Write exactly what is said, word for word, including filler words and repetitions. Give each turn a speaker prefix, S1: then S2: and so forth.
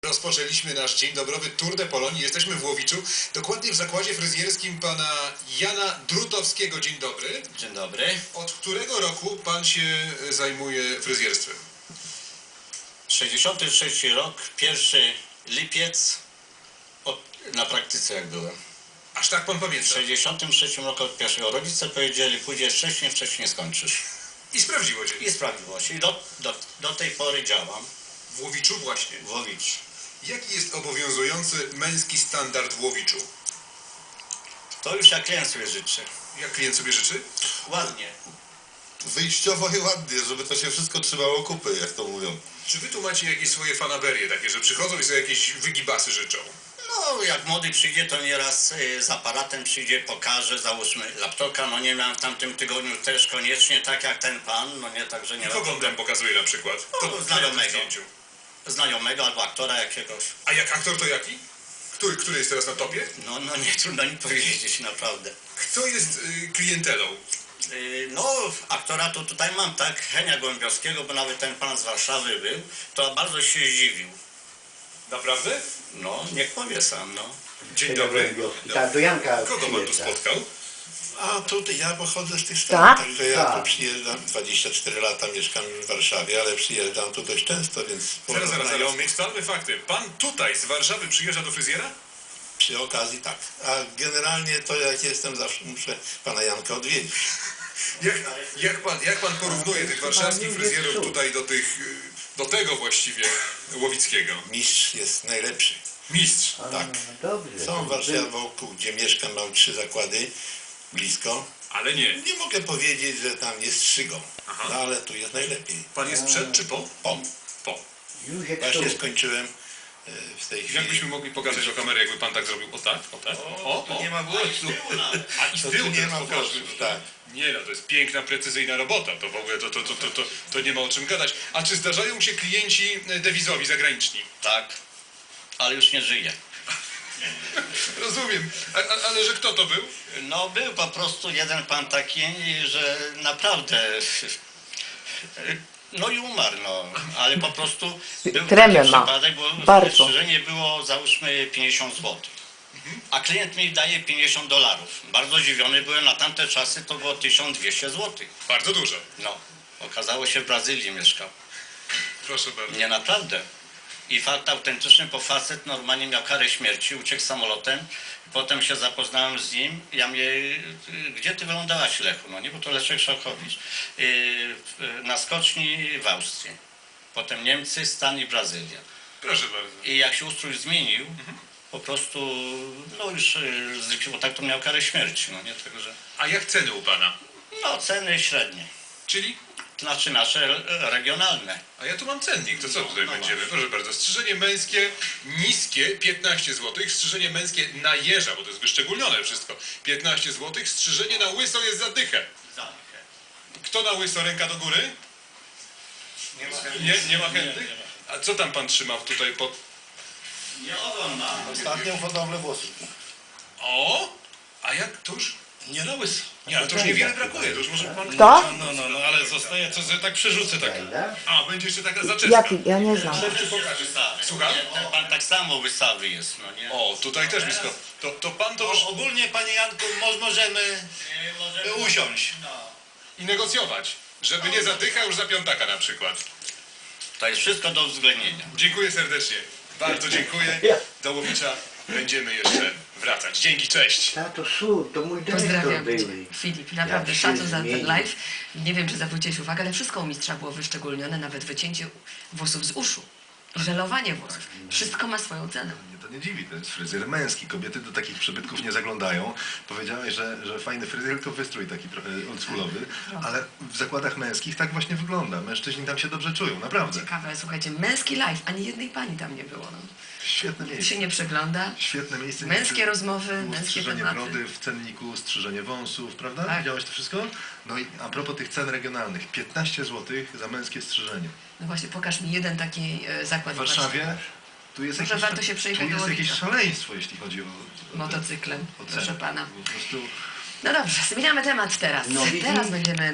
S1: rozpoczęliśmy nasz dzień dobrowy Tour de Polonii. Jesteśmy w Łowiczu, dokładnie w zakładzie fryzjerskim pana Jana Drutowskiego. Dzień dobry.
S2: Dzień dobry.
S1: Od którego roku pan się zajmuje fryzjerstwem?
S2: sześćdziesiąty trzeci rok, pierwszy lipiec, od, na praktyce jak byłem.
S1: Aż tak pan
S2: W
S1: pamięta?
S2: sześćdziesiątym trzecim roku od pierwszego rodzice powiedzieli, pójdziesz wcześniej, wcześniej skończysz.
S1: I sprawdziło się.
S2: I sprawdziło się. I do, do, do tej pory działam
S1: W Łowiczu właśnie.
S2: w Łowiczu.
S1: Jaki jest obowiązujący męski standard w Łowiczu?
S2: To już jak klient sobie życzy.
S1: Jak klient sobie życzy?
S2: Ładnie.
S3: Wyjściowo i ładnie, żeby to się wszystko trzymało kupy, jak to mówią.
S1: Czy wy tu macie jakieś swoje fanaberie takie, że przychodzą i sobie jakieś wygibasy życzą?
S2: No, jak młody przyjdzie, to nieraz y, z aparatem przyjdzie, pokaże, załóżmy laptopa. No nie miałem w tamtym tygodniu też koniecznie tak jak ten pan, no nie, także nie ma
S1: Kogo on tam pokazuje na przykład?
S2: No,
S1: Kto
S2: znajomego.
S1: na zdjęciu?
S2: znajomego albo aktora jakiegoś.
S1: A jak aktor to jaki? Który, który jest teraz na topie?
S2: No, no nie trudno mi powiedzieć, naprawdę.
S1: Kto jest y, klientelą?
S2: Yy, No, aktora to tutaj mam, tak, Henia Gołębiowskiego, bo nawet ten pan z Warszawy był, to bardzo się zdziwił.
S1: Naprawdę?
S2: No, niech powie sam, no.
S1: Dzień dobry.
S4: Tak, do Janka
S1: Kogo pan tu
S4: przyjeżdża.
S1: spotkał?
S3: A tutaj ja pochodzę z tych
S4: Tak?
S3: stron, także ja
S4: Tak.
S3: tu przyjeżdżam, dwadzieścia cztery lata mieszkam już w Warszawie, ale przyjeżdżam tu dość często, więc
S1: Zaraz, zaraz, zaraz.
S3: znajomych
S1: Ustalmy fakty. Pan tutaj z Warszawy przyjeżdża do fryzjera?
S3: przy okazji tak. A generalnie to jak jestem, zawsze muszę pana Janka odwiedzić.
S1: Jak, jak, pan, jak pan porównuje tych warszawskich fryzjerów tutaj do tych, y, do tego właściwie łowickiego?
S3: Mistrz jest najlepszy.
S1: Mistrz.
S4: A,
S3: Tak.
S4: Dobrze.
S3: Są w Warszawie wokół, gdzie mieszkam, mam trzy zakłady blisko.
S1: Ale nie.
S3: Nie mogę powiedzieć, że tam jest szygą,
S1: Aha.
S3: no ale tu jest najlepiej.
S1: Pan jest przed czy po?
S3: O,
S1: Po.
S4: Józek
S3: właśnie
S4: Sztuk.
S3: skończyłem e, w tej chwili.
S1: Jakbyśmy mogli pokazać do kamery, jakby pan tak zrobił? O tak, o tak. O, o.
S3: Nie ma głosu.
S1: A i z
S3: To
S1: tyłu
S3: tu nie
S1: teraz
S3: ma
S1: pokażmy.
S3: włosów, tak.
S1: Nie no, to jest piękna, precyzyjna robota. To w ogóle to, to, to, to, to, to nie ma o czym gadać. A czy zdarzają się klienci e, dewizowi, zagraniczni?
S2: Tak, ale już nie żyje.
S1: Rozumiem. A, a, ale że kto to był?
S2: No, był po prostu jeden pan taki, że naprawdę... No i umarł, no, ale po prostu był
S5: Tremę
S2: taki
S5: ma.
S2: przypadek, bo
S5: Bardzo.
S2: strzyżenie było załóżmy pięćdziesiąt złotych, a klient mi daje pięćdziesiąt dolarów. Bardzo zdziwiony byłem, na tamte czasy to było tysiąc dwieście złotych.
S1: Bardzo dużo.
S2: No, okazało się w Brazylii mieszkał.
S1: Proszę bardzo.
S2: Nie, naprawdę. I fakt autentyczny, bo facet normalnie miał karę śmierci, uciekł samolotem. Potem się zapoznałem z nim. Ja mnie, gdzie ty wylądowałaś, Lechu? No nie, bo to Leszek Szałkowicz. Yy, na skoczni w Austrii. Potem Niemcy, Stan i Brazylia.
S1: Proszę bardzo.
S2: I jak się ustrój zmienił, po prostu, no już yy, zlikwidował, tak to miał karę śmierci. No nie, także,
S1: A jak ceny u pana?
S2: no ceny średnie.
S1: Czyli?
S2: Znaczy nasze e, regionalne.
S1: A ja tu mam cennik, to co tutaj
S2: No
S1: będziemy?
S2: właśnie.
S1: Proszę bardzo, strzyżenie męskie niskie piętnaście złotych, strzyżenie męskie na jeża, bo to jest wyszczególnione wszystko, piętnaście złotych, strzyżenie na łyso jest za dychę. Kto na łyso, ręka do góry? Nie, nie ma chętnych? A co tam pan trzymał tutaj pod...
S2: Nie oglądam.
S3: Ostatnią hodowlę włosów.
S1: O! A jak to już?
S3: Nie na łyso.
S1: Nie, ale to już niewiele brakuje, to już może pan...
S5: Kto?
S1: No, no, no, ale zostaje, co sobie tak przerzucę tak.
S4: Prawda?
S1: A, będzie jeszcze taka zaczepka.
S5: Jaki? Ja nie znam.
S1: Szefczy pokaże.
S2: Wystawy.
S1: Słucham?
S2: Nie, ten pan tak samo wystawy jest, no nie?
S1: O, tutaj też blisko. To, to pan to już...
S3: Ogólnie, panie Janku, mo- możemy usiąść.
S1: I negocjować, żeby nie za dycha, już za piątaka na przykład.
S2: To jest wszystko do uwzględnienia.
S1: Dziękuję serdecznie. Bardzo dziękuję. Do Łowicza będziemy jeszcze wracać. Dzięki, cześć.
S4: Tato Szur, to mój dyrektor
S6: Pozdrawiam
S4: był.
S6: Cię, Filip. Naprawdę
S4: Jak się
S6: szacun za ten
S4: zmienił.
S6: live. Nie wiem, czy zwróciłeś uwagę, ale wszystko u mistrza było wyszczególnione, nawet wycięcie włosów z uszu. Żelowanie włosów. Wszystko ma swoją cenę.
S7: Mnie to nie dziwi, to jest fryzjer męski. Kobiety do takich przybytków nie zaglądają. Powiedziałeś, że, że fajny fryzjer, tylko wystrój taki trochę oldschoolowy, ale w zakładach męskich tak właśnie wygląda. Mężczyźni tam się dobrze czują, naprawdę.
S6: Ciekawe, słuchajcie, męski live, ani jednej pani tam nie było. No.
S7: Świetne
S6: Tu się
S7: miejsce.
S6: nie przegląda.
S7: Świetne miejsce.
S6: Męskie rozmowy,
S7: Było
S6: męskie
S7: strzyżenie
S6: tematy.
S7: brody w cenniku, strzyżenie wąsów, prawda?
S6: Tak.
S7: Widziałeś to wszystko? No i a propos tych cen regionalnych. piętnaście złotych za męskie strzyżenie.
S6: No właśnie, pokaż mi jeden taki e, zakład
S7: W Warszawie tu jest,
S6: Może
S7: jakieś,
S6: warto się przejechać
S7: tu
S6: do
S7: jest jakieś
S6: Łowicza.
S7: szaleństwo, jeśli chodzi o, o,
S6: motocyklem.
S7: o
S6: Proszę
S7: ceny.
S6: pana.
S7: Po prostu...
S6: No dobrze, zmieniamy temat teraz.
S4: No, widzimy.
S6: Teraz będziemy